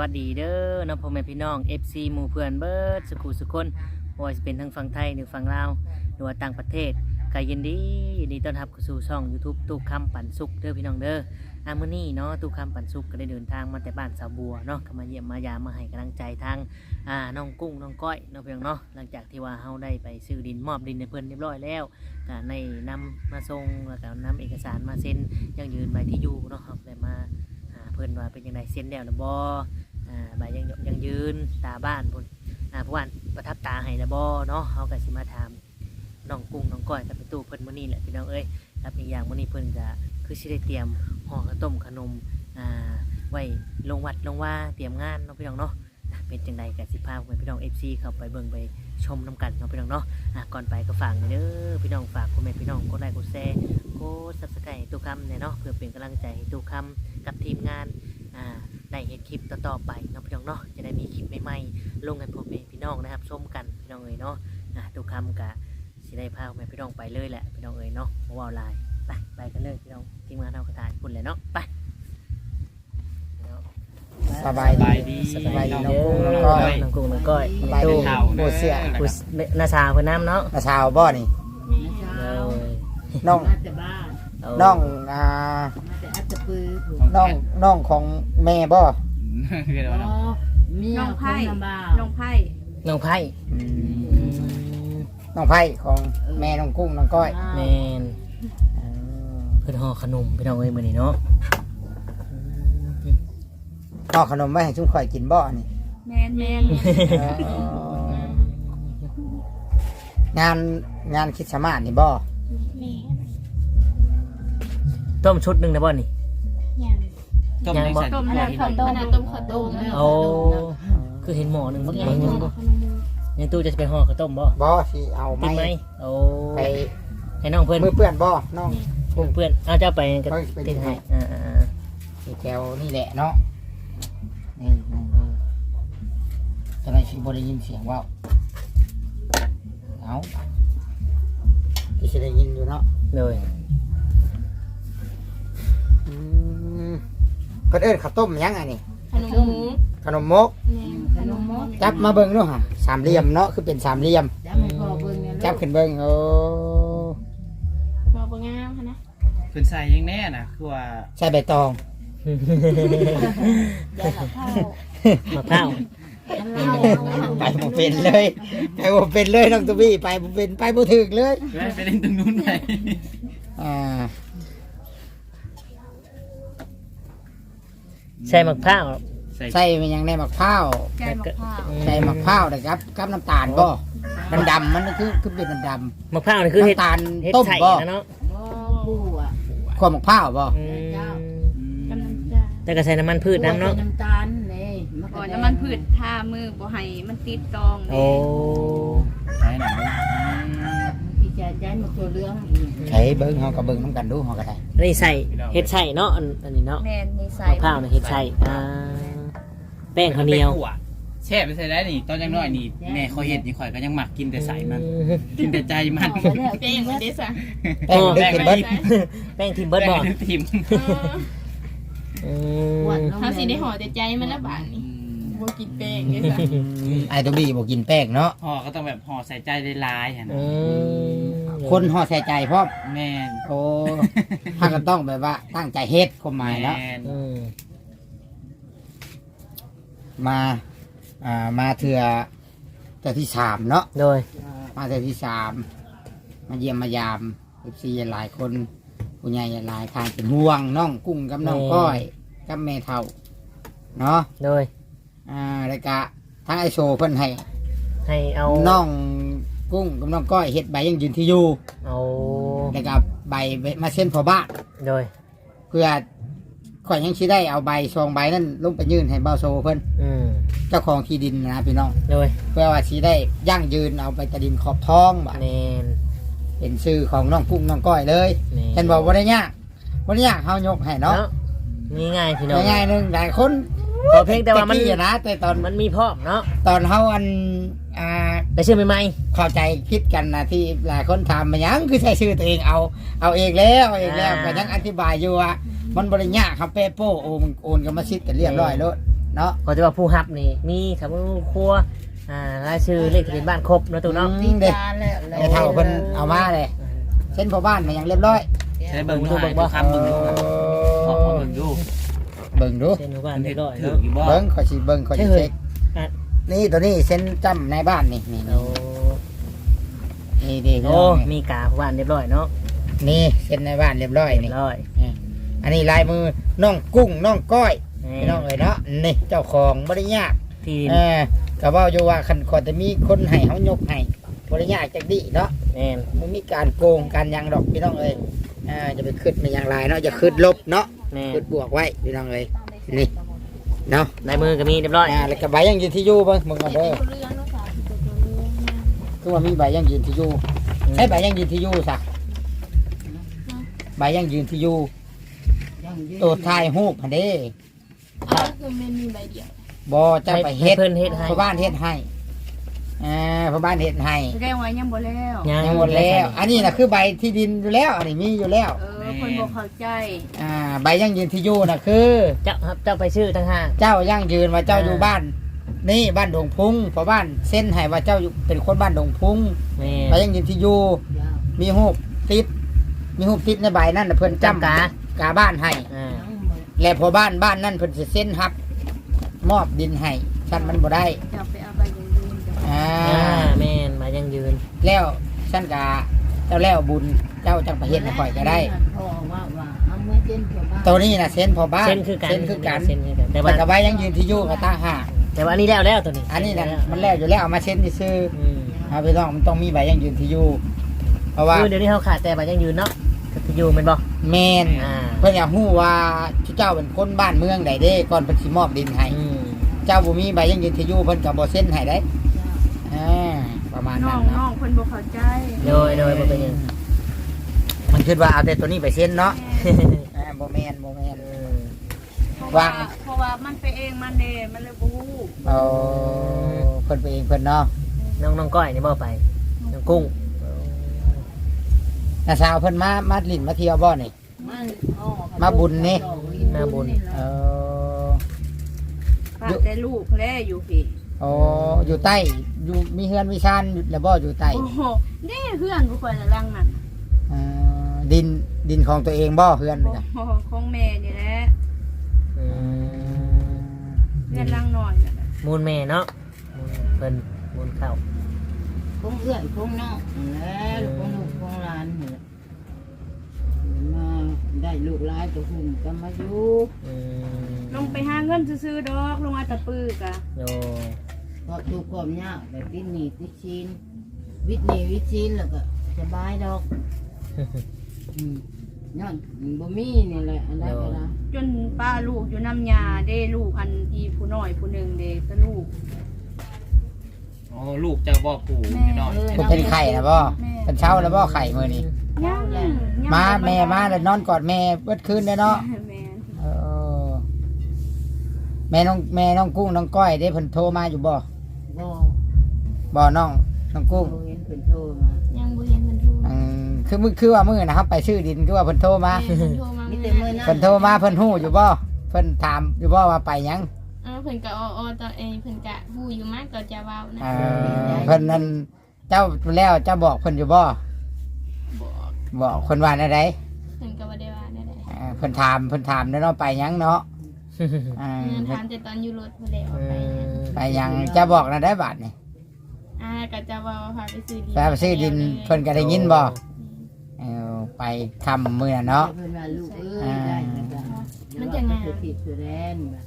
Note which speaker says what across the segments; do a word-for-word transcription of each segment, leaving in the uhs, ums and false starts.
Speaker 1: วัสดีเด้อน้องพ่อแม่พี่น้อง เอฟ ซี หมู่เพื่อนเบิร์ดสุขุสุคนบ่ว่าจะเป็นทั้งฝั่งไทยหรือฝั่งลาวหรือว่าต่างประเทศก็ยินดียินดีต้อนรับเข้าสู่ช่อง YouTube ตู้คำปันสุขเด้อพี่น้องเด้ออามื้อนี้เนาะตู้คำปันสุขก็ได้เดินทางมาแต่บ้านสาวบัวเนาะก็มาเยี่ยมมายามมาให้กำลังใจทางอ่าน้องกุ้งน้องก้อยเนาะพี่น้องเนาะหลังจากที่ว่าเฮาได้ไปซื้อดินมอบดินให้เพิ่นเรียบร้อยแล้วก็ในนำมาส่งแล้วก็นำเอกสารมาเซ็นยังยืนใบที่อยู่เนาะครับได้มาเพิ่นว่าเป็นยังไงเซ็นแล้วหรือบ่อ่าใบยังยังยืนตาบ้านพุ่นอ่าผู้อ่านประทับตาให้แล้วบ่เนาะเฮาก็สิมาถามน้องกุ้งน้องก้อยกับไปตู้เพิ่นมื้อนี้แหละพี่น้องเอ้ยครับอีกอย่างมื้อนี้เพิ่นก็คือสิได้เตรียมห่อข้าวต้มขนมอ่าไว้ลงวัดลงว่าเตรียมงานเนาะพี่น้องเนาะเป็นจังไดก็สิพาพี่น้อง เอฟ ซี เข้าไปเบิ่งไปชมนํกันเนาะพี่น้องเนาะอ่ะก่อนไปก็ฝากเด้อพี่น้องฝากพ่อแม่พี่น้องกดไลค์กดแชร์กด Subscribe ให้ตู้คำเนี่ยเนาะเพื่อเป็นกำลังใจให้ตู้คำกับทีมงานอ่าได้เห็นคลิปต่อๆไปเนาะพี่น้องเนาะจะได้มีคลิปใหม่ๆลงให้พ่อแม่พี่น้องนะครับชมกันพี่น้องเอ๋ยเนาะอ่ะตู้คำกะสิได้พาพ่อแม่พี่น้องไปเลยแหละพี่น้องเอ๋ยเนาะบ่ว่าหลายไปไปกันเลยพี่น้องทีมงานเฮากระถ่ายพุ่นเลยเนาะไป
Speaker 2: สบายดี
Speaker 1: สบายดี
Speaker 2: น้อง
Speaker 1: เด้
Speaker 2: กุ้ง
Speaker 1: อ
Speaker 2: น้องก้อย
Speaker 1: น้องกุ้งน้องก้อย
Speaker 2: สบายดี
Speaker 1: ตู้
Speaker 2: ผู้เสีย
Speaker 1: ผู้นาสาวเพิ่นน้ำเนาะ
Speaker 2: นาชาวบ่นี่
Speaker 1: เออ
Speaker 2: น้อง
Speaker 3: มาแต่บ้าน
Speaker 1: เอา
Speaker 2: น้องอ่า
Speaker 3: มาแต่อัตตปือผม
Speaker 2: น้องน้องของแม่บ่
Speaker 3: อ๋อเมีย
Speaker 4: น้อง
Speaker 3: ค
Speaker 4: ไผ่
Speaker 3: นลำบาก
Speaker 4: น้องไผ่
Speaker 1: น้องไผ่
Speaker 2: อืมน้องไผ่ของแม่น้องกุ้งน้องก้อย
Speaker 1: แมน
Speaker 2: อืม
Speaker 1: เพิ่นห่อขนมพี่น้องเอ้ยมื้อนี้เนาะ
Speaker 2: ห่อขนมไว้ให้ชุ่มข่อยกินบ่นี่
Speaker 4: แมนแมน
Speaker 2: เอองานงานคริดสต์มาสนี่บ่
Speaker 1: ต้มชุดหนึงได้บ่นี่
Speaker 5: ต้ม
Speaker 1: ยัง
Speaker 5: ใน
Speaker 1: บ่
Speaker 5: สัตว์
Speaker 4: ต้ม
Speaker 5: ให
Speaker 4: แล้
Speaker 5: ญ่
Speaker 4: วต้มขนาดต้มข้าวต้ม
Speaker 1: โอ้คือเห็นหม้อหนึงบ่ยังยังบ่ยังตู้จะไปห่อข้าวต้มบ่
Speaker 2: บ่สิเอา
Speaker 1: ติดไห
Speaker 2: ไม้
Speaker 1: มโอ้
Speaker 2: ไป
Speaker 1: ให้น้องเพิ่น
Speaker 2: มือเปื้อนบ่น้อง
Speaker 1: กุ้งเพื่อนเอาเจ้าไปก็
Speaker 2: เฮ้ยไป
Speaker 1: ติดให้
Speaker 2: ให้
Speaker 1: อ่า
Speaker 2: ที่แถวนี่แหละเนาะนี่นี่นี่จะได้สิบ่ได้ยินเสียงว่าวเอาที่สิได้ยินอยู่เนาะ
Speaker 1: ๆเลย
Speaker 2: อืมเพิ่นเอิ้นข้าวต้มหยังอันนี้
Speaker 4: ขนมหมู
Speaker 2: ขนมมก
Speaker 3: ขนมมด
Speaker 2: จับมาเบิ่งดูฮะสามเหลี่ยมเนาะคือเป็นสามเหลี่ยม
Speaker 3: จับให้พ่อเบิ่งเนี่ย
Speaker 2: จับขึ้นเบิ่งโอ้
Speaker 4: บอบงามค่ะนะ
Speaker 5: เป็นใส่ยังแน่น่ะคือว่า
Speaker 2: ใส่ใบตอง
Speaker 3: เดี๋ยวเราเข้าม
Speaker 1: ะพร้าว
Speaker 2: ไปบ่เป็นเลยไปบ่เป็นเลยน้องตุบี้ไปบ่เป็นไปบ่ถึกเลย
Speaker 5: ไปไปเล่นตรงนู้นไป
Speaker 2: อ่า
Speaker 1: ใส่มะพร้าว
Speaker 5: ใส่
Speaker 2: ใส่มันยังในมะพร้าว
Speaker 4: แกงมะพร้าว
Speaker 2: ใส่มะพร้าวนะครับกับน้ำตาลบ่มันดำมันคือคือเป็นดำ
Speaker 1: มะพร้าวนี่คือเห็ด
Speaker 2: น้ำตาล
Speaker 1: เห็ด
Speaker 2: ต้ม
Speaker 1: ใส่
Speaker 2: บ่
Speaker 1: นะเนาะ
Speaker 3: บ่ผู้อ่ะ
Speaker 2: ขั้วมะพร้าวบ่
Speaker 1: อืม
Speaker 4: กำลังจะ
Speaker 1: แต่ก็ใส่น้ำมันพืชน้ำเนาะ
Speaker 3: น้ำตาลนี่มะ
Speaker 4: ก่อน
Speaker 3: กะ
Speaker 4: น้ำมันพืชทามือบ่ให้มันติดตอง
Speaker 1: โอ้
Speaker 5: ใส่หนัง
Speaker 3: พี่แกใจมะตัวเหลืองอีก
Speaker 2: ใช้เบิ้งเฮาก็เบิ้งน้ำกันดูเฮาก็ได้
Speaker 1: อันนี้ใส่เห็ดใส่เนาะอันอันนี้เนาะ
Speaker 4: แมนนี่ใส่
Speaker 1: มะพร้าวนี่เห็ดใส่อ่าแป้งข้าวเหนียว
Speaker 5: แช่ไปใส่ได้นี่ตอนยังน้อยนี่แม่เขาเห็ดนี่ข่อยก็ยังหมักกินแต่ใส่มัน
Speaker 1: อืม
Speaker 5: กินแต่ใจมัน
Speaker 3: เอาไปแล้ว
Speaker 4: แป้งมันเดซ่ะ
Speaker 2: แป้งดึกกินเบิ้ง
Speaker 1: แป้งทิมเบิร์ดบอล
Speaker 5: แม่ทิม
Speaker 1: อืม
Speaker 3: หวานลง
Speaker 4: ถ้าสีได้ห่อแต่ใจมันละบาทนี่บ่กินแป้งเดซ่ะ
Speaker 2: ไอ้ตัวบี้บ่กินแป้งเนาะ
Speaker 5: ห่อก็ต้องแบบห่อใส่ใจได้ลายๆ
Speaker 1: อื
Speaker 5: นะ
Speaker 1: ม
Speaker 2: คนห่อใส่ใจพร้อม
Speaker 5: แม่น
Speaker 2: โอ้ถ้าก็ต้องแบบว่าตั้งใจเฮ็ดความหมายเนาะ
Speaker 5: แม่น
Speaker 1: อืม
Speaker 2: มาอ่ามาเถื่อแต่ที่สามเนาะ
Speaker 1: โดย
Speaker 2: มาแต่ที่สามมาเยี่ยมมายามเอฟซีหลายคนผู้ใหญ่หลายทางเป็นห่วงน้องกุ้งกับน้องก้อยกับแม่เฒ่าเนาะ
Speaker 1: โดย
Speaker 2: อ่าแล้วก็ทั้งไอโซเพิ่นให้
Speaker 1: ให้เอา
Speaker 2: น้องกุ้งกับน้องก้อยเฮ็ดใบยังยืนที่อยู่
Speaker 1: เอา
Speaker 2: แล้วก็ใบมาเส้นพอบ้าน
Speaker 1: โดย
Speaker 2: เพื่อข่อยยังสิได้เอาใบซองใบนั้นลงไปยื่นให้เบาโซเพิ่น
Speaker 1: อืม
Speaker 2: เจ้าของที่ดินนะพี่น้อง
Speaker 1: โดย
Speaker 2: เพื่อว่าสิได้ยั่งยืนเอาไปตะดินขอบท้องบ่
Speaker 1: แมน
Speaker 2: เป็นชื่อของน้องกุ้งน้องก้อยเลย
Speaker 1: แมน
Speaker 2: เห็นบอกว่าได้ยากว่าได้ยากเฮายกให้เนาะ
Speaker 1: เนาะนี่ง่ายพี่น้อง
Speaker 2: ง่ายๆหนึงหลายคน
Speaker 1: พอเพียงแต่ว่ามัน
Speaker 2: กี้นะแต่ตอน
Speaker 1: มันมีพร้อมเนาะ
Speaker 2: ตอนเฮาอันอ่า
Speaker 1: แต่ชื่อใหม่
Speaker 2: เข้าใจคิดกันนะที่หลายคนถามมายังคือใช้ชื่อตัวเองเอาเอาเองแล้วเอาเองแล้วก็ยังอธิบายอยู่ว่ามันบริญญาครับเปโป้โอนโอนกรรมสิทธิ์กันเรียบร้อยแล้ว
Speaker 1: ๆ
Speaker 2: เนาะ
Speaker 1: ก็จะว่าผู้รับนี่มีครับครัวอ่ารายชื่อเลขทะเบียนบ้านครบเนาะตู้เนาะ
Speaker 2: อื
Speaker 3: มี
Speaker 2: มเด้
Speaker 3: จานแล้ว
Speaker 2: แม่เฒ่าเพิ่นเอามาเลยเส้นพ่อบ้านมาอย่างเรียบร้อย
Speaker 5: ใช้เบิ่งดูเบิ่งบ่ครับเบิ่งดูออกมาเบิ่งดู
Speaker 2: เบิ่งดู
Speaker 1: เส้นหมู่บ้านเรียบร้อย
Speaker 5: ถือ
Speaker 1: เนาะ
Speaker 5: อยู่บ่
Speaker 2: เบิ่งขอยสิเบิ่งขอยสิ
Speaker 1: เฮ้ย
Speaker 2: เช็ค
Speaker 1: อ่ะ
Speaker 2: นี่ตัวนี้เส้นจำในบ้านนี่นี่
Speaker 1: โอ้
Speaker 2: นี่นี่
Speaker 1: โอ้มีกาผู้บ้านเรียบร้อยเนาะ
Speaker 2: นี่เส้นในบ้านเรียบร้อย
Speaker 1: เรี
Speaker 2: นี่
Speaker 1: ยบร้อย
Speaker 2: อันนี้ลายมือน้องกุ้งน้องก้อย
Speaker 1: นี่
Speaker 2: พี่น้องเอ๋ยเนาะนี่เจ้าของบ่ได้ยาก
Speaker 1: ที่ดิน
Speaker 2: เออก็เว้าอยู่ว่าคันขอจะมีคนให้เฮายกให้บ่ได้ยากจักดิเนาะ
Speaker 1: แน่น
Speaker 2: มันมีการโกงการหยังดอกพี่น้องเอ้ยอ่าจะไปขึ้นมันอย่างไรเนาะอย่าขึ้นลบเนาะ
Speaker 1: แน่น
Speaker 2: ขึ้นบวกไว้พี่น้องเอ้ยนี่เนาะ
Speaker 1: ลายมือก็มีเรียบร้อย
Speaker 2: อ่าแล้วก็ใบยังยืนที่อยู่เบิ่งมึงก่อนเด้อ
Speaker 4: เรื่องเนาะค่ะตัวเรื่อง
Speaker 2: คือว่ามีใบยังยืนที่อยู่ใช้ใบยังยืนที่อยู่ซะใบยังยืนที่อยู่ตัวถ่ายรูปหั่นเด้
Speaker 4: เอาคือมันมีใบเดียว
Speaker 2: บ่จะไปเฮ็ด
Speaker 1: เพิ่นเฮ็ดให้
Speaker 2: พ่อบ้านเฮ็ดให้อ่าพ่อบ้านเฮ็ดให้
Speaker 3: แสดงว่ายังบ่แล้ว
Speaker 2: ยังหมดแล้ว อันนี้น่ะคือใบที่ดินอยู่แล้วอันนี้มีอยู่แล้ว
Speaker 3: เออคนบ่เข้าใจ
Speaker 2: อ่าใบยังยืนที่อยู่น่ะคือ
Speaker 1: เจ้าครับเจ้าไปชื่อทั้งห้า
Speaker 2: เจ้ายั่งยืนว่าเจ้าอยู่บ้าน นี่บ้านดงพุงเพราะบ้านเส้นให้ว่าเจ้าอยู่เป็นคนบ้านดงพุง
Speaker 1: แม่
Speaker 2: ใบยังยืนที่อยู่มีหูปติด มีหูปติดในใบนั่นน่ะเพิ่นจำ
Speaker 1: จำกา
Speaker 2: กาบ้านให้
Speaker 1: อ่า
Speaker 2: และพอบ้านบ้านนั่นเพิ่นสิเส้นฮับ มอบดินให้ฉันมันบ่ได้
Speaker 3: จะไปเอาใบยืนยืนจะ
Speaker 2: อ่า
Speaker 1: อ่าแม่นมายังยืน
Speaker 2: แล้วฉันกาเจ้าแล้วบุญเจ้าจังประเฮ็ดให้ข่อยก็ได้
Speaker 3: พ่อว่าว่าเอามือเจนเกี่ยวบ้าน
Speaker 2: ตัวนี้น่ะเส้นพอบ้าน
Speaker 1: เส้นคือกัน
Speaker 2: เส้นคือกัน
Speaker 1: เส้นคือกันแต่
Speaker 2: แต่
Speaker 1: ว่า
Speaker 2: ว่าใบยังยืนที่อยู่ก็ตั้งห้า
Speaker 1: แต่ว่าอันนี้แล้วแล้วตัวนี้
Speaker 2: อันนี้น่ะมันแล้วอยู่แล้วเอามาเส้นซื่อ
Speaker 1: อืม
Speaker 2: ๆเอาไปลองมันต้องมีใบยังยืนที่อยู่เพราะว่า
Speaker 1: คือเดี๋ยวนี้เขาขาดแต่มายังยืนเนาะก็จะอยู่แม่นบ่
Speaker 2: แมน
Speaker 1: อ่า
Speaker 2: เพื่อนอยากรู้ว่าเจ้าเป็นคนบ้านเมืองใดเด้ก่อนเพิ่นสิมอบดินให้
Speaker 1: อืม
Speaker 2: เจ้าบ่มีใบยังยืนที่อยู่เพิ่นก็บ่เซ็นให้ได้อ่าประมาณ
Speaker 3: น้
Speaker 2: นั้
Speaker 3: อน งน้
Speaker 2: เนาะ
Speaker 3: องคนบ่เข้าใจ
Speaker 1: โดยโดยบ่เป็นหยัง
Speaker 2: มันคิดว่าเอาแต่ตัวนี้ไปเซ็นเนาะอ่าบ่แม่นบ่แม่น
Speaker 1: อืม
Speaker 3: เพราะว่าเพราะว่ามันไปเองมันเด้มันเลยบ่ฮู้
Speaker 2: เอาเพิ่นไปเองเพิ่นเนาะ
Speaker 1: น้องน้องก้อยนี่บ่ไปน้องกุ้ง
Speaker 2: น้าสาวเพิ่นมามาลิ้นมาเที่ยวบ่นี่
Speaker 3: มันอ๋อ
Speaker 2: มาบุญนี่ เออ
Speaker 3: ฝากแต่ลูกแลอยู่พี่
Speaker 2: โอ้อยู่ใต้อยู่มีเฮือนมีชานอยู่แล้วบ่อยู่ใต้
Speaker 3: โอ้โหนี่เพื่อนกูคนละลังนั่น
Speaker 2: อ่าดินดินของตัวเองบ่เฮือน
Speaker 3: โอ้
Speaker 2: นี่นะ
Speaker 3: โหของแม่นี่แหละ
Speaker 1: อืม
Speaker 3: เพื่อนลังหน่อยนั่นแหละ
Speaker 1: มูลแม่เนาะมูลเพิ่นมูลเข้า
Speaker 3: คงเอื้อยคงน้องแล้วคงลูกคงหลานนี่แหละมาได้ลูกหลายตัวหุ่มก็มาอยู่
Speaker 1: อืม
Speaker 3: ลงไปหาเงินซื้อๆดอกลงอาตะปือกะ
Speaker 1: โด
Speaker 3: เพราะทุกความยากแบบวิทย์หนีวิทย์ชีนวิทย์หนีวิทย์ชีนแล้วก็สบายดอกอืมย้อนบ่มีนี่แหละอันใดก็ได้จนป้าลูกอยู่น้ำยาเด้ลูกอันอีผู้น้อยผู้หนึ่งเด้ก็ลูก
Speaker 5: โอ้ลูกเจ้าบ่ปู่นิดหน่อย
Speaker 3: แม่
Speaker 2: เพิ่นเป็นไข่นะบ่เป็นเช้าแล้วบ่ไข่มื้อนี้
Speaker 3: ย่างย่าง
Speaker 2: มาแม่มาแล้วนอนกอดแม่เบิดคืนได้เนาะ
Speaker 3: แม่
Speaker 2: เออแม่น้องแม่น้องกุ้งน้องก้อยได้เพิ่นโทรมาอยู่บ่
Speaker 3: บ่
Speaker 2: บ่น้องน้องกุ้ง
Speaker 3: บ่เห็นเพิ่นโทรมา
Speaker 4: ยังบ่เห็นมันโทร
Speaker 2: อืมคือมึงคือว่ามื้อนะครับไปซื้อดินคือว่าเพิ่นโทรมา
Speaker 4: แม่มันโทรมา
Speaker 3: มี
Speaker 4: เมื่
Speaker 3: แต่
Speaker 4: อ
Speaker 3: มื้อ
Speaker 4: นั้น
Speaker 3: นั้น
Speaker 2: เพิ่นโทรมาเพิ่นฮู้อยู่บ่เพิ่นถามอยู่บ่ว่าไปหยัง
Speaker 4: เออเพิ่นก็ออๆตอนเองเพิ่นก็ฮู้อยู่มากก็จะเว้านะ
Speaker 2: เออเพิ่นนั่นเจ้าแล้วเจ้าบอกเพิ่นอยู่บ่
Speaker 4: บอก
Speaker 2: บอกเพิ่นว่าได้ได
Speaker 4: เพิ่นก็บ่ได้ว่าได้
Speaker 2: เออเพิ่นถามเพิ่นถามเด้อเนาะไปหยังเนาะอ่า
Speaker 4: เงินถามแต่ตอนอยู่รถเพิ่นได้ออกไปนะ
Speaker 2: ไปหยังเจะบอกนะได้บาทนี่
Speaker 4: อ่าก็จะเว้าพาไปซื้อดิน
Speaker 2: ไปไปซื้อดินเพิ่นก็ได้ยินบ่เออไปทำมื้อน่ะเนาะ
Speaker 3: เพิ่นว่าลูกเอ้ยได้แล้วก็
Speaker 4: มันจะงาม
Speaker 3: ติดสุดแดนแบบ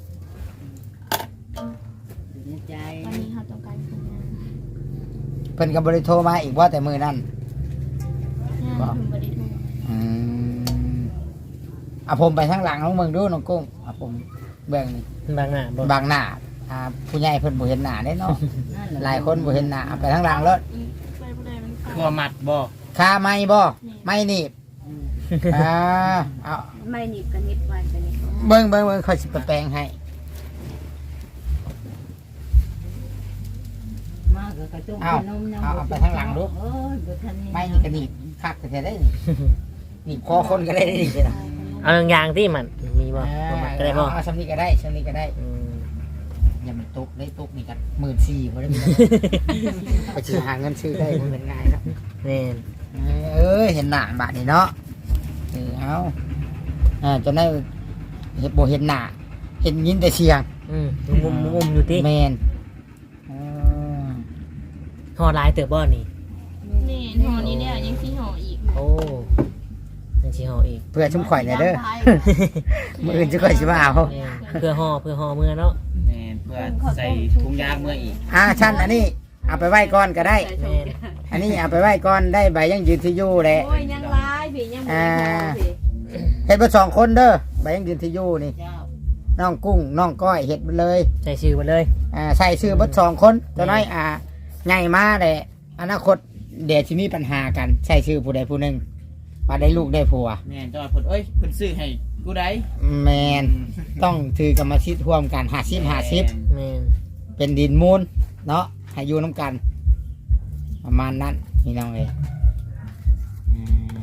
Speaker 3: อยู่ในใจ
Speaker 4: ตอนนี้เขาต้องการคนงาน
Speaker 2: เพิ่นก็บ่ได้โทรมาอีกว่าแต่มื้อนั้น
Speaker 4: งานเพิ่นบ่ได้โทร
Speaker 2: อืมเอาผมไปทางหลังน้องเมืองดูน้องกุ้งเอาผมเบิ่งนี่
Speaker 1: บางหน้าบ่
Speaker 2: บางหน้าอ่าผู้ใหญ่เพิ่นบ่เห็นหน้าเด้เนาะ
Speaker 3: นั่นแหละ
Speaker 2: หลายคนบ่เห็นหน้าเอาไปทางหลังรถ
Speaker 4: อืมไปบ่ได้มัน
Speaker 5: ครัวมัดบ่
Speaker 2: คาไม้บ่ไม่หนีบ
Speaker 3: อืม
Speaker 2: อ่าเอา
Speaker 3: ไม่หนีบกันนิดไว้กันนิด
Speaker 2: เบิ่งเบิ่งเบิ่งค่อยสิไปแปลงให้
Speaker 3: มากกับกระจุก
Speaker 2: เอา
Speaker 3: ขนมยัง
Speaker 2: เอา
Speaker 3: บ่
Speaker 2: เอาไปทางหลังดู
Speaker 3: เอ้ยบ่ทัน
Speaker 2: ไม้นี่ก็หนีบคักก็จะได้นี่หนีบคอคนก็ได้นี่สินะ
Speaker 1: เอาอย่างที่มันมีบ่
Speaker 2: อ่า
Speaker 1: บ่มันก็ได้บ่
Speaker 2: เอาเอาสำนี้ก็ได้สำนี้ก็ได้
Speaker 1: อืม
Speaker 2: อย่ามันตกได้ตกนี่กันหมื่นสี่พอได้พี่น้องไปซื้อหาเงินซื้อได้มันเป็นง่ายครับ
Speaker 1: แม่น
Speaker 2: เอ้ยเห็นหน้าบาดนี่เนาะเออเอาอ่าจนได้เห็นบ่เห็นหน้าเห็นยินแต่เสียง
Speaker 1: อืมมุมมุมอยู่ติ
Speaker 2: แมนเออ
Speaker 1: ห่อหลายเติบบ่นี่
Speaker 4: นี่ห่อนี้เนี่ยยังสิห่ออีก
Speaker 1: โอ้ยังสิห่ออีก
Speaker 2: เพื่อชุ่มข่อยเนี่ยเด้อมืออื่นจะข่อยสิมาเอา
Speaker 1: แม่นเพื่อห่อเพื่อห่อเมื่อเนาะ
Speaker 5: แม่นเพื่อใส่ถุงยางเมื่ออีก
Speaker 2: อ่าชั้นอันนี้เอาไปไหว้ก่อนก็ได้
Speaker 1: แม่น
Speaker 2: อันนี้เอาไปไหว้ก่อนได้ใบยังยืนที่อยู่แหละ
Speaker 4: โอ้ยยังร้ายพี่ยังบ่ได้ห่อสิ
Speaker 2: เฮ็ดเบ่สองคนเด้อใบยังยืนที่อยู่นี่
Speaker 3: เจ้า
Speaker 2: น้องกุ้งน้องก้อยเฮ็ดไปเลย
Speaker 1: ใส่ชื่อมาเลย
Speaker 2: อ่าใส่ชื่อเบ่สองคนตัวน้อยอ่าใหญ่มาแหละอนาคตเดี๋ยวสิมีปัญหากันใส่ชื่อผู้ใดผู้หนึงว่าได้ลูกได้ผัว
Speaker 5: แม่นจอยเพิ่นเอ้ยเพิ่นซื้อให้กูได้
Speaker 2: แมนต้องถือกรรมสิทธิ์ร่วมกันห้าสิบห้าสิบ
Speaker 1: แม่น
Speaker 2: เป็นดินมูลเนาะให้อยู่น้ำกัน ประมาณนั้นพี่น้องเลยอืม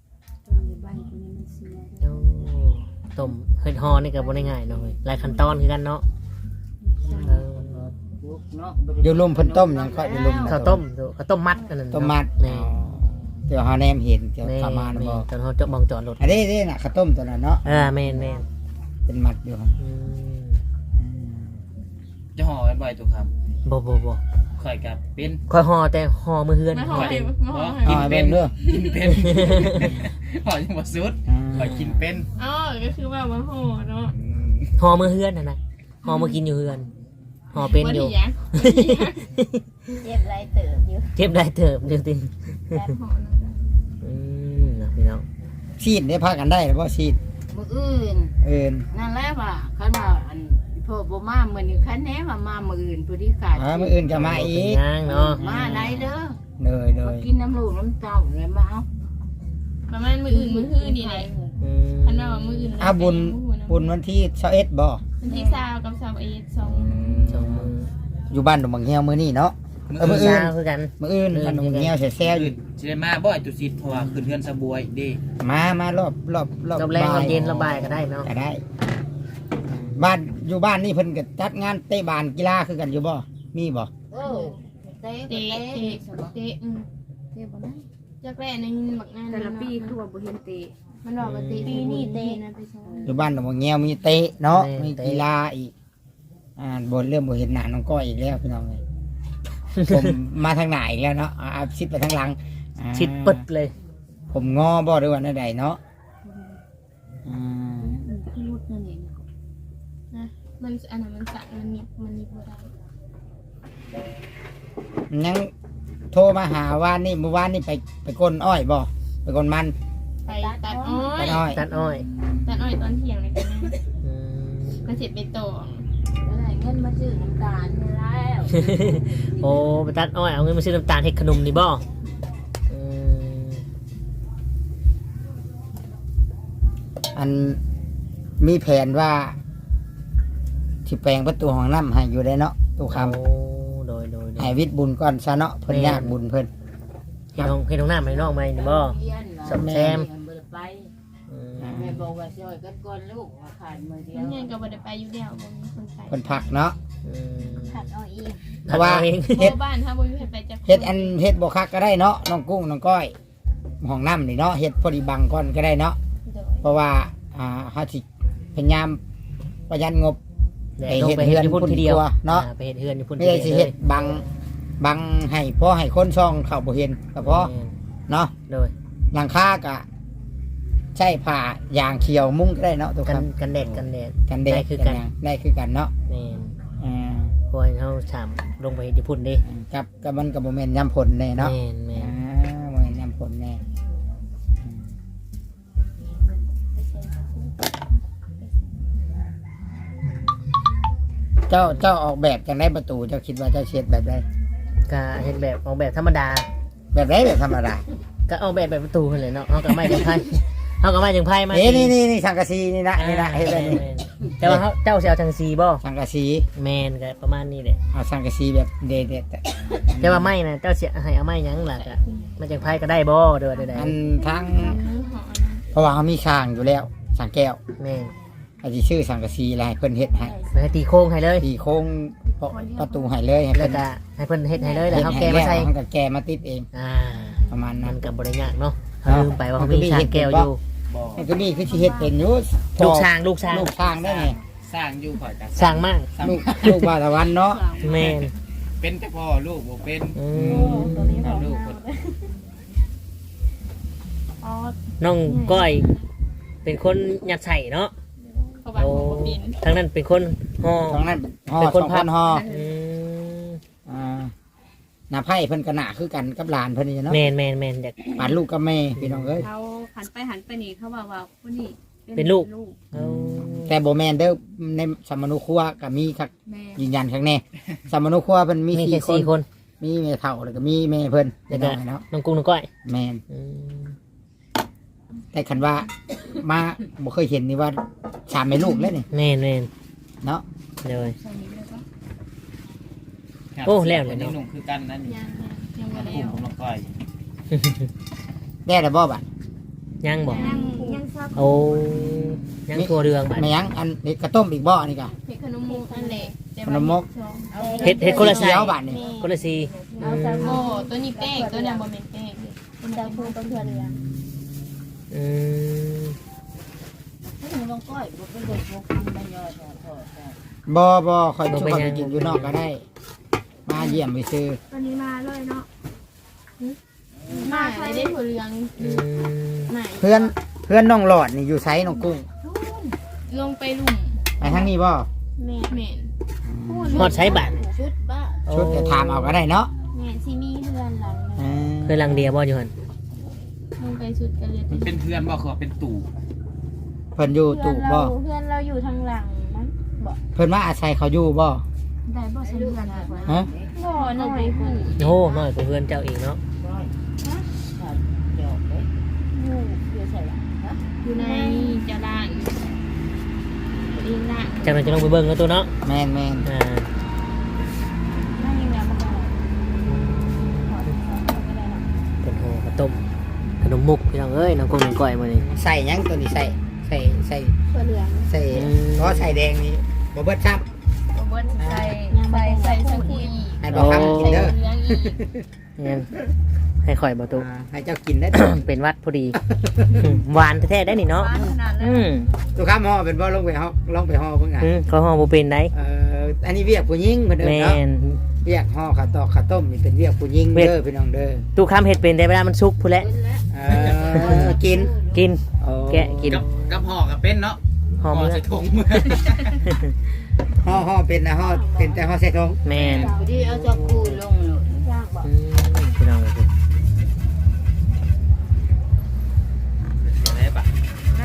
Speaker 1: โอ้ต้มเฮ็ดห่อนี่ก็บ่ได้ง่ายเนาะเว้ยหลายขั้นตอนคือกันเนาะเออ
Speaker 3: ลูกเนาะ
Speaker 2: เดี๋ยวลุมเพิ่นต้มหยังก็เดี๋ยวลุม
Speaker 1: ข้าวต้มข้าวต้มมัดอันนั้น
Speaker 2: ต้มมัด
Speaker 1: แม่
Speaker 2: อ๋อเดี๋ยวเฮาแนมเห็นเดี๋ยว
Speaker 1: แม่
Speaker 2: ประมาณนั้น
Speaker 1: แม่
Speaker 2: บ่
Speaker 1: ตอนเฮาจะมองจอดรถ
Speaker 2: อันนี้นี่น่ะข้าวต้มตัวนั้นเนาะ
Speaker 1: เออแม่นแม่น
Speaker 2: เป็นมัดอยู่ครับ
Speaker 1: อืม
Speaker 2: อืม
Speaker 5: จะห่อไว้บ่อยตุกครับ
Speaker 1: บ่บ่บ่
Speaker 5: ข่อยกับเป็น
Speaker 1: ค่อยห่อแต่ห่อมือเฮือน
Speaker 4: มาห่อ
Speaker 1: ห่อ
Speaker 4: ให้
Speaker 1: เอง
Speaker 4: มาห่อให้
Speaker 2: อ๋อเป็นเด้อ
Speaker 5: กินเป็น ห่อยังบ่สุด
Speaker 2: อ่า
Speaker 5: ข่อยกินเป็น
Speaker 4: อ๋อก็คือว่ามาห่อเนาะ
Speaker 1: ห่อมือเฮือนน่ะนะห่อมือกินอยู่เฮือนห่อเป็นอยู่
Speaker 4: บ่ได้หยัง
Speaker 6: เจ็บไรเติบอยู่
Speaker 1: เก็บได้เถิบเดี๋ยวติ
Speaker 4: แบบห่อนะ
Speaker 1: อืมนะพี่น้อง
Speaker 2: ชีดได้พากันได้หรือบ่ชีด
Speaker 3: มื้ออื่น
Speaker 2: เอิ้น
Speaker 3: นั่นแหละว่าคันว่าอันพ่อบ่มามื้อนี้คันแหน่ว่ามามื้ออื่นผู้ที่ขาด
Speaker 2: อ่ามื้ออื่นก็มาอีก
Speaker 1: ย่างเนาะ
Speaker 3: มาได้เด้อ
Speaker 2: เลยเล
Speaker 3: มาย กินน้ำลูกน้ำเต้าเลยมาเอา
Speaker 4: ประมาณมื้ออื่นมื้อฮื้อนี่แหละ
Speaker 1: อืม
Speaker 4: คันว่ามื้ออื่น
Speaker 2: อ่าบุญบุญวันที่ยี่สิบเอ็ดบ่
Speaker 4: วันที่สามกับสามเอ็ดสอง
Speaker 1: สองมือ
Speaker 2: อยู่บ้านดงบังเฮียวมื้อนี้เนาะ
Speaker 5: มื้
Speaker 2: เออมื้
Speaker 5: อ
Speaker 2: อ
Speaker 5: อื่
Speaker 2: อื่
Speaker 5: น
Speaker 2: น
Speaker 1: เช้าคือกัน
Speaker 2: มื้ออื่นบ้านดงบังเฮียวแซ่ๆอยู่
Speaker 5: อื่นสิได้มาบ่อยตุสิทธิ์เพราะว่าขึ้นเฮือนสะบวยเด้
Speaker 2: มามารอบรอบรอบ
Speaker 1: รอบแรงร
Speaker 2: บ่า
Speaker 1: อบเย็นรอบบ่ายก็ได้เนาะ
Speaker 2: ก็ได้ บ้านอยู่บ้านนี่เพิ่นก็จัดงานเตะบานกีฬาคือกันอยู่บ่มีบ่
Speaker 3: เออเตะ
Speaker 4: เตะ
Speaker 3: เตะ
Speaker 4: เตะเตะอืม
Speaker 6: เจ็บบ่นะ
Speaker 4: จักแรกในบักงาน
Speaker 6: แต่ละปีคือว่าบ่เห็นเตะ
Speaker 4: มันบอกว่าเตะ
Speaker 6: ปีนี้เตะ
Speaker 4: นะไปซ้อม
Speaker 2: อยู่บ้านดงบังเฮียวมีเตะเนาะมีกีฬาอีกอ่าบ่เริ่มบ่เห็นหน้าน้องก้อยอีกแล้วพี่น้องเอ้ยผมมาทางไหนอีกแล้วเนาะอ่าเอาชิดไปทางหลังอ่า
Speaker 1: ชิดปึดเลย
Speaker 2: ผมงอบ่ด้วยวันใดเนาะอ่า
Speaker 6: คือรุดนั่นเอง
Speaker 4: นะมันอันนั้นมันสั่นมันนิบมันนิบบ่ได้
Speaker 2: ยังโทรมาหาว่านนี่เมื่อวานนี่ไปไปก้นอ้อยบ่ไปก้นมัน
Speaker 4: ไปตัดอ้อ
Speaker 2: ตั
Speaker 4: ย
Speaker 2: ดอ้อย
Speaker 1: ตัดอ้อย
Speaker 4: ตัดอ้อยตอนเที่ยงเลยกันนะ
Speaker 1: อืม
Speaker 4: ก็เสร็จไปต่อ
Speaker 6: แล้วได้เงินมาซื้อน้ำตาลนี่แล้ว
Speaker 1: โอ้ไปตัดอ้อยเอาเงินมาซื้อน้ำตาลเฮ็ดขนมนี่บ่อืม
Speaker 2: อันมีแผนว่าที่แปลงประตูห้องน้ำให้อยู่ได้เนาะตู้ค
Speaker 1: โอ้โดยโดยโด
Speaker 2: ำ
Speaker 1: ย
Speaker 2: ให้วิทย์บุญก่อนซะเนาะเพิ่นยากบุญเพิ่น
Speaker 1: เฮ็ดห้องเฮ็ดห้องน้ำให้น้องไหมนี่บ่
Speaker 3: เรียน
Speaker 1: สมแซม
Speaker 3: เบิดไป
Speaker 1: อืม
Speaker 3: แม่บอกว่าช่วยกันก่อนลูกว่าขาดมือเดีย
Speaker 4: มัน
Speaker 3: ว
Speaker 4: ยังก็บ่ได้ไปอยู่แล้วบ่มีคนไป
Speaker 2: เพิ่นพักเนาะ
Speaker 1: อืม
Speaker 6: ขัดเอาอีก
Speaker 2: เพราะว่า
Speaker 1: ตัดอเอง
Speaker 4: เพ
Speaker 2: เฮ็ด
Speaker 4: ราะบ้านถ้าบ่มีใครไปจัก
Speaker 2: เฮ็ดอันเฮ็ดบ่คักก็ได้เนาะน้องกุ้งน้องก้อยห้องน้ำนี่เนาะเฮ็ดพอดีบังก่อนก็ได้เนาะ
Speaker 4: โดย
Speaker 2: เพราะว่าอ่าเฮาสิพยายามประหยัดงบ
Speaker 1: ดี๋ยว
Speaker 2: ไอ้
Speaker 1: ลง
Speaker 2: เฮ็ด
Speaker 1: ไป
Speaker 2: เฮื
Speaker 1: เฮ็
Speaker 2: อ
Speaker 1: ด
Speaker 2: น
Speaker 1: อยู่พุ่น
Speaker 2: พุ่น
Speaker 1: ทีเดียว
Speaker 2: ครัวเนาะ
Speaker 1: อ่ไปเฮ็ดเฮือนอยู่พุ่น
Speaker 2: ไม่ได้สิเฮ็ดบังบังให้พอให้คนช่องเข้าบ่เห็นก็พอเนาะ
Speaker 1: โดย
Speaker 2: หลังคาก็ใช้ผ้ายางเขียวมุ้งก็ได้เนาะทุกค
Speaker 1: กัน
Speaker 2: น
Speaker 1: กันแดดกันแดด
Speaker 2: กันแด
Speaker 1: ได้
Speaker 2: ด
Speaker 1: คือ
Speaker 2: กัน
Speaker 1: กัน
Speaker 2: หยังได้คือกันเนาะ
Speaker 1: แม่น
Speaker 2: อ่า
Speaker 1: เพราะว่าเฮาถามลงไปเฮ็ดอยู่พุ่นเด้
Speaker 2: กับกับมันกับโมเมนต์ย้ำผลแน่เนาะ
Speaker 1: แม่นแม่
Speaker 2: อ่าน โมเมนต์ย้ำผลแน่อืมเจ้าเจ้าออกแบบจังได้ประตูเจ้าคิดว่าเจ้าเช็ดแบบใด
Speaker 1: ก็เฮ็ดแบบออกแบบธรรมดา
Speaker 2: แบบไรแบบธรรมดา
Speaker 1: ก็ออกแบบแบบประตูนั่นแหละเนาะเฮาก็ไม่จังไพ่เฮาก็ไม่จังไพ่มา
Speaker 2: นี่นี่นี่นี่สังกะสีนี่นะนี่นะเฮ็ดแบบนี้
Speaker 1: แม่นแต่ว่าเฮาเจ้าสิเอาจังซีบ่
Speaker 2: สังกะสี
Speaker 1: แม่นก็ประมาณนี้แหละ
Speaker 2: เอาสังกะสีแบบเด็ดๆแต่
Speaker 1: แต่ว่าไม่นะเจ้าสิให้เอาไม้หยังล่ะก็มาจังไพ่ก็ได้บ่เด้อได้
Speaker 2: อันทั้ง
Speaker 4: หอนะ
Speaker 2: เพราะว่าเขามีช่างอยู่แล้วช่างแก้ว
Speaker 1: แม่น
Speaker 2: อาจจะชื่อสังกะสีอะไรให้เพิ่นเฮ็ดให้
Speaker 1: แล้วตีโค้งให้เลย
Speaker 2: ตีโค้งประตูให้เลยให้
Speaker 1: แล้
Speaker 2: เพิ่
Speaker 1: วน ก็ให้เพิ่นเฮ็ดให้เลยแล้วเฮาแก้มาใส่
Speaker 2: เฮาก็แก้มาติดเอง
Speaker 1: อ่า
Speaker 2: ประมาณ
Speaker 1: มั
Speaker 2: นั้น
Speaker 1: นก็บ่ได้ยากเนาะเฮาลืมไปว่าเขามีช้างแก้วอยู่
Speaker 5: บ่
Speaker 2: มันก็มีคือสิเฮ็ดเป็นอยู่
Speaker 1: ลูกช้างลูกช้าง
Speaker 2: ลูกช้างได้ไง
Speaker 5: สร้างอยู่ข่อยก็
Speaker 1: ช้างมาก
Speaker 2: ลูกลูกบาตะวันเนาะ
Speaker 1: แม่น
Speaker 5: เป็นแต่พ่อลูกบ่เป็น
Speaker 1: อืม
Speaker 6: ตัวนี้บอก
Speaker 5: ลูกคน
Speaker 6: อ๋อ
Speaker 1: น้องก้อย เป็นคนยัดใส่เนาะ
Speaker 4: เขาบอก
Speaker 1: โอ้
Speaker 4: ว่าบิน
Speaker 1: ทั้งนั้นเป็นคนห่อ
Speaker 2: ตรงนั้นห่อ
Speaker 1: เป็น
Speaker 2: ส
Speaker 1: ค
Speaker 2: อน ง
Speaker 1: พั
Speaker 2: ค
Speaker 1: บ
Speaker 2: นห่อ
Speaker 1: อืม
Speaker 2: อ่าหน้าไผ่เพิ่นก็หน้าคือกันกับหลานเพิ่นนี่เนาะ
Speaker 1: แม่นแม่นแม่นเด็ก
Speaker 2: ปานลูกกับแม่พี่น้องเอ้ย
Speaker 6: เขาหันไปหันไปนี่เขาบอกว่าผู้นี้
Speaker 1: เป็นลูก เอา
Speaker 2: แต่บ่แม่นเด้อในสมนุครัวก็มีครับ
Speaker 6: แม่
Speaker 2: ยืนยันครั้งแน่สมนุครัวเพิ่นมี
Speaker 1: มี
Speaker 2: สี่
Speaker 1: แค่
Speaker 2: ค
Speaker 1: สี่
Speaker 2: น
Speaker 1: คน
Speaker 2: มีแม่เฒ่าแล้วก็มีแม่เพิ่น
Speaker 1: แล้
Speaker 2: พี่
Speaker 1: วก็
Speaker 2: น้องเนาะ
Speaker 1: น้องกุ้งน้องก้อย
Speaker 2: แม่น
Speaker 1: อืม
Speaker 2: แต่คันว่ามาบ่เคยเห็นนี่ว่าสามแม่ลูกแล้วนี่
Speaker 1: แม่นแม่น
Speaker 2: เนาะ
Speaker 1: เลย
Speaker 6: ใส่นี้เลยปะ
Speaker 1: โอ้แล้วเลย
Speaker 5: นี่
Speaker 1: เนาะ
Speaker 5: หนุ่มคือกันนั่นนี่
Speaker 6: ยังยังไม่
Speaker 5: ก
Speaker 6: ได้
Speaker 5: ลุ่มของน้องก้อย
Speaker 2: ได้แล้วบ่บัด
Speaker 1: ยังบอก
Speaker 6: ยังยังซับ
Speaker 1: โอ้ยังทัวเรืองบัด
Speaker 2: แม่ยังอันนี้กระต้มอีกบ่นี่ก็
Speaker 4: เห็ดขนมมุกอันเล็ก
Speaker 2: ขนมมก
Speaker 1: เฮ็ดเฮ็ดคนละ
Speaker 2: สี
Speaker 1: สาย
Speaker 2: เขียวบัดนี่
Speaker 1: คนละสีอืม
Speaker 4: โอ้ตัวนี้แป้งตัวนี้บะเม็นแป้ง
Speaker 6: เป็นดาวพูต้นเทือนเลย
Speaker 1: อืม
Speaker 3: ให้หนูลองก้อยบ่เป็นเด็กบ่กินไม่ย่อยพอพอได้
Speaker 2: บ่บ่คอยชุบไปกินอยู่นอกก็ได้ มาเยี่ยมไปซื้อ
Speaker 6: ตอนนี้มาเลยเนาะ
Speaker 4: มาใช้ได้ถั่วเหลือง
Speaker 1: อืม
Speaker 4: ไหน
Speaker 2: เพื่อนเพื่อนน้องหลอดนี่อยู่ไซน้องกุ้ง
Speaker 4: ลงไปลุ่ม
Speaker 2: ไปทางนี้บ่
Speaker 6: แม่
Speaker 4: เหม็น
Speaker 1: ฮอดใช้บัตร
Speaker 6: ชุดบ้า
Speaker 2: ชุดจะถามเอาก็ได้เนาะ
Speaker 6: แม่ซีมีเรือนหลัง
Speaker 2: เออ
Speaker 1: เคยลังเดียบ่อยู่หัน
Speaker 4: ลงไปสุดกันเลย
Speaker 5: มันเป็นเพื่อนบ่คือว่าเป็นตู่
Speaker 2: เพิ่นอยู่ตู่บ่
Speaker 6: เพื่อนเราอยู่ทางหลังมั้ง
Speaker 2: เพิ่นมาอาศัยเขาอยู่บ่
Speaker 6: ได้บ่ใช่เรือนหลัง
Speaker 2: ฮะ
Speaker 6: บ่หน่อยผู้
Speaker 1: โอ้น้อยกว่าเพื่อนเจ้าอีกเนาะ
Speaker 3: ก้อยถ้าจอกเลย
Speaker 6: อยู่อยู่ใส่ละฮะ
Speaker 4: อยู่ในจะล่างเองล่าง
Speaker 1: จากนั้นจะลงไปเบิ่งแล้วตัวเนาะ
Speaker 2: แม่นแม่น
Speaker 1: อ่า
Speaker 6: ไม่ยังไงมันก็ถอดถอดไม่ได้หรอก
Speaker 1: เป็นโหข้าวต้มขนมมุกพี่น้องเอ้ยน้องกุ้งน้องก้อยมื้อนี้
Speaker 2: ใส่หยังตัวนี้ใส่ใส่ใส่
Speaker 6: เพื่อเหลือง
Speaker 2: ใส่
Speaker 1: อืม
Speaker 2: เพราะใส่แดงนี่บ่เบิดครับ
Speaker 4: บนใส่ใส่ใส่สกุย
Speaker 2: ให้บ่คำกินเด้อ
Speaker 4: เหลืองอีก
Speaker 1: งั้นให้ข่อยบ่ตุ
Speaker 2: อ่าให้เจ้ากินได้
Speaker 1: เป็นวัดพอดีอืมหวานแท้ๆได้นี่เนาะ
Speaker 6: บ้านขนาดนั้น
Speaker 1: อืม
Speaker 2: ทุกคำห่อเป็นบ่ลงไปห่อลงไปห่อเพิ่นอ่ะ
Speaker 1: อืมเขาห่อบ่เป็นได้
Speaker 2: เอ่ออันนี้เวียกผู้หญิงเพิ่นเด้อ
Speaker 1: แม่
Speaker 2: เนาะ
Speaker 1: น
Speaker 2: เวียกห่อข้าวตอกข้าวต้มนี่เป็นเวียกผู้หญิง
Speaker 1: เวียก
Speaker 2: เด้อพี่น้องเด้อ
Speaker 1: ตู้คำเฮ็ดเป็นแต่เวลามันสุกพุ่นแหละ
Speaker 2: เออกิน
Speaker 1: กิน
Speaker 2: โอ้
Speaker 1: แกะกิน
Speaker 5: กับกับห่อกับเป็นเนาะ
Speaker 1: ห่อมื้อ
Speaker 5: ใส่ถุงมือ
Speaker 2: ห่อห่อเป็นนะห่อเป็นแต่ห่อใส่ถุง
Speaker 1: แม่น
Speaker 3: พอดีเอาจอกกูลงเลย
Speaker 6: ยากบอก
Speaker 1: อืมพี่น้องเอ้ย
Speaker 5: อะไรปะ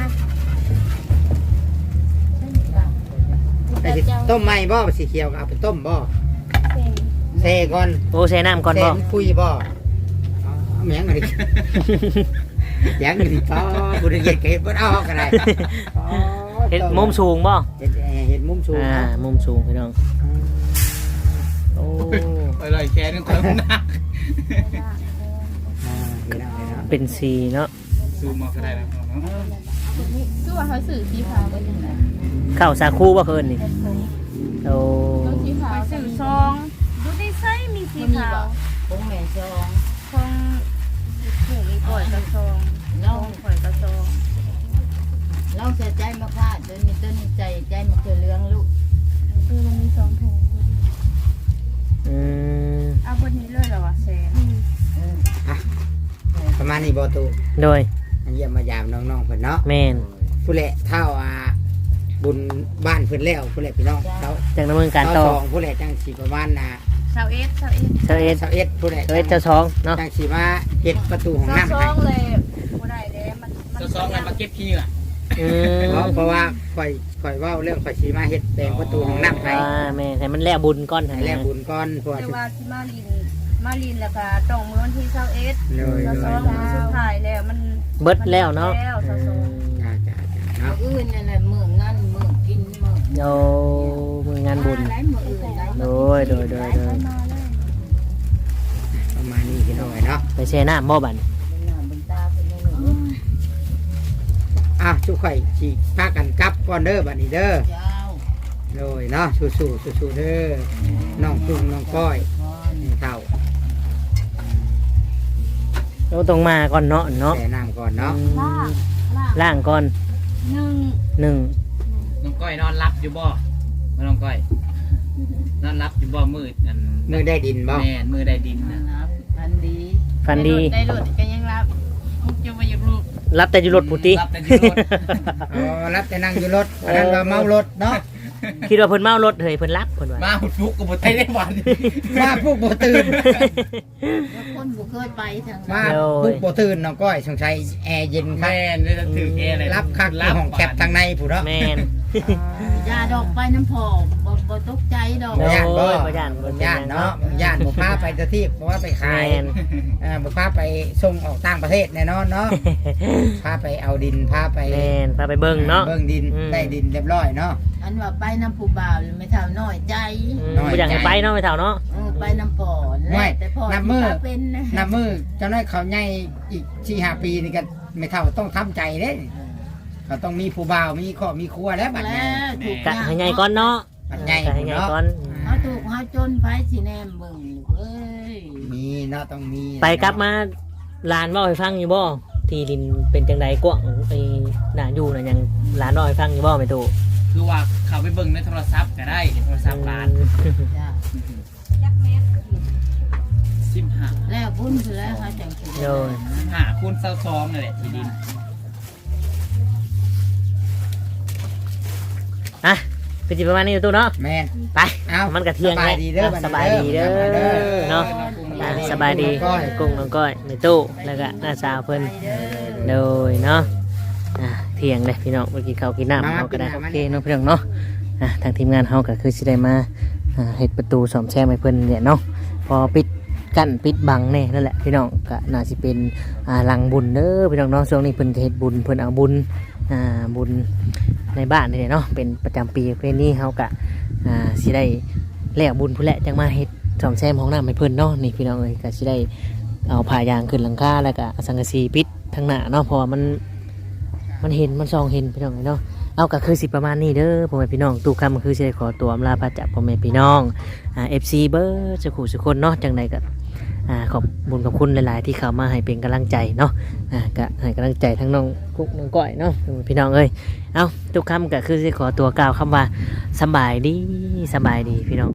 Speaker 2: แต่สิต้มใหม่บ่สีเขียวก็เอาไปต้มบ่เซก่อน
Speaker 1: โอ้ใส่น้ำก่อนบ่
Speaker 2: เซคุยบ่เอาเอาแหมงอะไรยังอยู่ดิป้อบุญเย็นก็เห็นบ่เอาก็ได้อ๋อ
Speaker 1: เฮ็ดมุมสูงบ่
Speaker 2: เห็ดเห็ดมุมสูง
Speaker 1: อ่ามุมสูงพี่น้องโอ้
Speaker 5: ไปเลยแค่นึงคนหนัก
Speaker 2: อ่าเห็นแล้วเห็นแล้ว
Speaker 1: เป็นสีเนาะ
Speaker 5: ซูมมาก็ได้แล้วเนาะ
Speaker 4: คือว่าเขาสื่อสีขาวเป็นยังไง
Speaker 1: ข้าวสาคูบ่เพิ่นนี่โอ้
Speaker 4: ต้องสีขาว
Speaker 6: สื่อซองดูดีไซน์มีสีขาว
Speaker 3: คงแม่ซอง
Speaker 6: ของหมูมีก่อยกระซองน้องก่อยกระซอง
Speaker 3: เราใส่ใจมาค่ะเดินมีต้นใจใจมาเกลือเรื่องลูก
Speaker 6: เออมันมีสองถุง
Speaker 1: อืม
Speaker 6: เอาบนนี้เลยเหรอวะแซน
Speaker 2: ประมาณนี้บ่ตู
Speaker 1: โดย
Speaker 2: อันเยี่ยมมายามน้องๆเพิ่นเนาะ
Speaker 1: แม่น
Speaker 2: ผู้แหละเท่าอ่าบุญบ้านเพิ่นแล้วผู้แหละพี่น้องเขา
Speaker 1: จากดำเนินการ
Speaker 2: เขา
Speaker 1: ต่อ
Speaker 2: สองผู้แหละจังสีประมาณน่ะ
Speaker 6: ชาวเอสชาวเอส
Speaker 1: เจ้าเอ็ด
Speaker 2: เสาเอ็ดผู้แหละ
Speaker 1: เจ้าเอ็ดเจ้าสองเนาะ
Speaker 2: จังสีมาเฮ็ดประตูของ
Speaker 6: ชาว
Speaker 2: น้ำ
Speaker 6: ซ
Speaker 2: ให้
Speaker 6: องเลยบ่ได้แล้วมันมัน
Speaker 5: จะซ้อมกันมาเก็บขี้เหงื่อ
Speaker 1: อืม
Speaker 2: เพราะเพราะว่าข่อยข่อยเว้าเรื่องข่อยสีมาเฮ็ดแปลงประตูของน้ำให้
Speaker 1: อ่าแม่นให้มันแล้วบุญก่อน
Speaker 2: ให้
Speaker 1: ให้
Speaker 2: แล
Speaker 1: แล้ว
Speaker 2: บุญก่อนเพราะว่า
Speaker 6: แต่ว่าที่มาลินมาลินแล้วก็ต้องมื้อวันที่ชาวเอส
Speaker 2: เลย
Speaker 6: ชาว
Speaker 2: เล
Speaker 6: ซอย งมื้อสุดท้ายแล้วมัน
Speaker 1: เบิดแล้วเนาะ
Speaker 6: แล้วชาวซอง
Speaker 2: จ้าจ้าจ้าเนาะ
Speaker 3: อื่นนั่นแหละมืองานมือกินมือ
Speaker 1: โอ้มืองานบุญ
Speaker 3: หลายมืออื่นหลาย
Speaker 1: โดยโดยโดยโดย
Speaker 6: มาเลย
Speaker 2: ประมาณนี้พี่น้องเนาะ
Speaker 1: ไปแช่น้ำบ่บัด
Speaker 3: เป็นหน้าเป็นตาเป็นนี่หนู
Speaker 2: อ่ะทุกข่อยสิพากันกลับก่อนเด้อบัดนี้เด้อ
Speaker 3: เจ้า
Speaker 2: โดยเนาะสู้ๆสู้ๆเด้อน้องกุ้งน้องก้อย
Speaker 3: พร
Speaker 2: นี่เท่า
Speaker 1: เราต้องมาก่อนเนาะเนาะ
Speaker 2: แต่น้ำก่อนเนาะ
Speaker 6: ล่างล่าง
Speaker 1: ล่างก่อน
Speaker 6: หนึ่ง
Speaker 1: หนึ่ง
Speaker 5: น้องก้อยนอนรับอยู่บ่มาน้องก้อยนอนรับอยู่บ่มืดอัน
Speaker 2: มือได้ดินบ่
Speaker 5: แม่นมือได้ดินนะ
Speaker 3: นะครับพันดี
Speaker 1: ฟันดี
Speaker 4: ได้รถก็ยังรับมุกจะมาอยู่รูป
Speaker 1: รับแต่อยู่รถปุติ
Speaker 5: รับแต่อยู่รถ
Speaker 2: อ๋อรับแต่นั่งอยู่รถอันนั้นว่าเมารถเนาะ
Speaker 1: คิดว่าเพิ่นเมารถเฮ้ยเพิ่นรับเพิ่นว่า
Speaker 5: มาหุดฟุกกับบุตรไทยได้วัน
Speaker 2: มาพวกบ่ตื่น
Speaker 3: แล้วคนบ่เคยไปทาง
Speaker 2: มา
Speaker 3: นั้น
Speaker 2: พวกบ่ตื่นน้องก้อยสงสัยแอร์เย็นครับ
Speaker 5: แม่นเลยถือแกอะไร
Speaker 2: รับคักอยู่ห้องแคบทางในผู้เนาะ
Speaker 1: แม่น
Speaker 3: ยาดอกไปน้ำพอบ่บ่ตกใจดอก
Speaker 1: โอ้
Speaker 2: ย่านบ่
Speaker 1: ยบ่ย่านบ่
Speaker 2: ย่านเนาะย่านบ่พาไปตะที่เพราะว่าไปขาย
Speaker 1: แม่น
Speaker 2: อ่าบ่พาไปส่งออกต่างประเทศแน่นอนเนาะพาไปเอาดินพาไป
Speaker 1: แม่นพาไปเบิ่งเนาะ
Speaker 2: เบิ่งดิน
Speaker 1: อืม
Speaker 2: ได้ดินเรียบร้อยเนาะ
Speaker 3: อันว่าไปน้ำผู้บ่าวไม่เท่าน้อยใจ
Speaker 1: อืม
Speaker 2: น้อย
Speaker 1: บ่อยากให้
Speaker 2: ใจ
Speaker 1: ไปเนาะไปเท่าเนาะ
Speaker 3: เออไปน้ำพอ
Speaker 2: ไม่
Speaker 3: แต่พอ
Speaker 2: น้ำมือ
Speaker 3: ที่พาเป็นนะ
Speaker 2: นับมือเจ้าน้อยเขาใหญ่อีกสี่ห้าปีนี่ก็ไม่เท่าต้องทำใจเด้เขาต้องมีผู้บ่าวมีครอบมีครัวแล้วบัด
Speaker 3: แล้
Speaker 2: นี้
Speaker 3: วถูก
Speaker 1: กะให้ใหญ่ก่อนเนาะ
Speaker 2: บัดใหญ่
Speaker 1: กะให้ใหญ่
Speaker 2: เนาะ
Speaker 1: ก่อน
Speaker 3: เขาถูกเขาจนไปสิแนมเบิ่งเอ้ย
Speaker 2: มีเนาะต้องมี
Speaker 1: ไปกลับมาลานเว้าให้ฟังอยู่บ่ที่ดินเป็นจังไดกว้างไอ้น่าอยู่น่ะยังลานเว้าให้ฟังอยู่บ่แม่ตู่
Speaker 5: คือว่าเขาไปเบิ่งในโทรศัพท์ก็ได้ในโทรศัพท์ร้าน
Speaker 3: จ้ะ
Speaker 5: สิบห้า
Speaker 3: แล้วบุญคือแล้วเขาจังสิ
Speaker 1: โดย
Speaker 5: หาคูณเศร้าซองนั่นแหละที่ดิน
Speaker 1: อ่ะคือสิประมาณนี้อยู่ตู่เนาะ
Speaker 2: แม่น
Speaker 1: ไป
Speaker 2: เอา
Speaker 1: มันก็เที่ยง
Speaker 2: สบายดีเด้อ
Speaker 1: สบายดีเด้อ
Speaker 2: บัดนี้
Speaker 1: เนาะอ่ะสบายดีกุ้งน้องก้อยแม่ตู่แล้วก็น้าสาวเพิ่น โดยเนาะอ่ะเที่ยงเลยพี่น้องเมื่อกี้เขาวกินน้ำเขาก็ได้โอเคเนาะพี่น้องเนาะอ่ะทางทีมงานเขาก็คือสิได้มาอ่าเฮ็ดประตูสอมแซมให้เพิ่นเนี่ยเนาะพอปิดกั้นปิดบังแน่นั่นแหละพี่น้องก็น่าสิเป็นอ่าหลังบุญเด้อพี่น้องเนาะช่วงนี้เพิ่นจะเฮ็ดบุญเพิ่นเอาบุญอ่าบุญในบ้านนี่เนาะเป็นประจำปีเพิ่นนี่เขาก็อ่าสิได้แล้วบุญพุ่นแหละจังมาเฮ็ดสอมแซมห้องน้ำให้เพิ่นเนาะนี่พี่น้องเอ้ยก็สิได้เอาผ้ายางขึ้นหลังคาแล้วก็เอาสังกะสีปิดทางหน้าเนาะเพราะว่ามันมันเห็นมันส่องเห็นพี่น้องเนาะเอาก็คือสิประมาณนี้เด้อพ่อแม่พี่น้องตู้คำก็คือสิได้ขอตัวอำลาพระจากพ่อแม่พี่น้องอ่า เอฟ ซี เบอร์สุขุสุคนเนาะจังใดก็อ่าขอบบุญขอบคุณหลายๆที่เข้ามาให้เป็นกำลังใจเนาะอ่าก็ให้กำลังใจทั้งน้องกุ๊กน้องก้อยเนาะพี่น้องเอ้ยเอาตู้คำก็คือสิขอตัวกล่าวคำว่าสำบายดีสำบายดีพี่น้อง